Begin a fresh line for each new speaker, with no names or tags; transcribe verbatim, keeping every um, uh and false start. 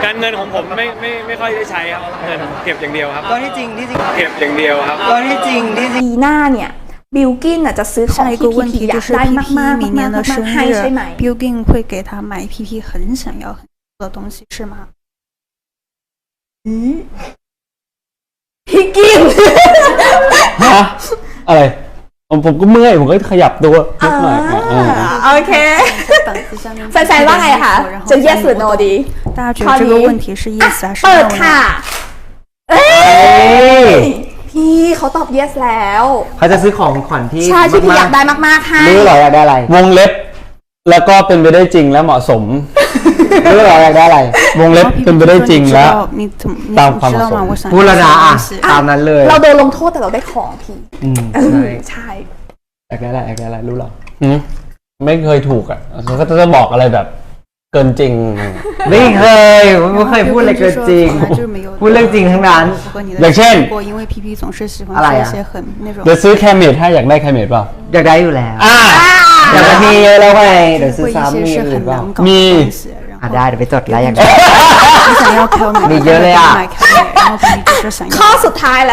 การเงินของผมไม่ไม่ไม่ค่อยได้ใช้ครับเงินเก็บอย่างเดียวครับ
ก็ที่จริงที่จริง
เก็บอย่างเดียวครับ
ก็ที่จริงที่จริง
ปีหน้าเนี่ยบิลกินอ่ะจะซื้อของที่พีพีอยากได้มากๆมากๆๆให้ใช่ไหม
Bilgin 会给他买 P P 很想要很多的东西是吗？
อืมพี่กิน
ฮะอะไรผมผมก็เมื่อยผมก็ขยับตัวนิดหน่อยอ่า
โอเคแฟนๆว่าไงคะจะ yes หรือ no ดี
大家觉得这个问题是 yes 还是
เปิด
no
ค่ะ
呢？
เอ้ยพี่เขาตอบ yes แล้ว
เขาจะซื้อของขวัญที่
ใช่ที่พี่อยากได้มากๆให้
รู้เหรออยากได้อะไร
วงเล็บแล้วก็เป็นไปได้จริงและเหมาะสม
รู้เหรออยากได้อะไร
วงเล็บเป็นไปได้จริงและ
你怎么你
ตาม
你
ความ
知
เห
道
มาะส
吗？
ม
我想
พูดแล้วนะอ่ะ
是
ตามนั้นเลย
เราโดนลงโทษแต่เราได้ของพี่
อืม
เอ
ใช่
อใช่
อยากได้อะไรอยากได้อะไรรู้เหรอ
หืมไม่เคยถูกอ่ะเขาก็จะบอกอะไรแบบเกินจริง
ไม่เคยไม่เคยพูดอะไรเกินจริง พูดเรื่องจริงทั้งนั้น
อย่างเช่น
过因为 P P 总是喜欢
อะไร
说
อ่ะ
一些很那种
เดี๋ยวซื้อแคมเมดให้อยากได้แคมเมดเปล่า
อยากได้อยู่แล้ว
อ่า
อยากได้มีเยอะแล้วไงเดี๋ยวซื้อ
会一
ซ้ำ
些
มี
是
อื่น
很
เปล่า
难搞的
มี
东西，然
อ่ะ
后
ได้เดี๋ยวไปจดแล้วอยากได้
你想要 Q
มีเยอะเลยอ่ะ
买 Q 然后 P P 就是想要
ข้อสุดท้ายแล้ว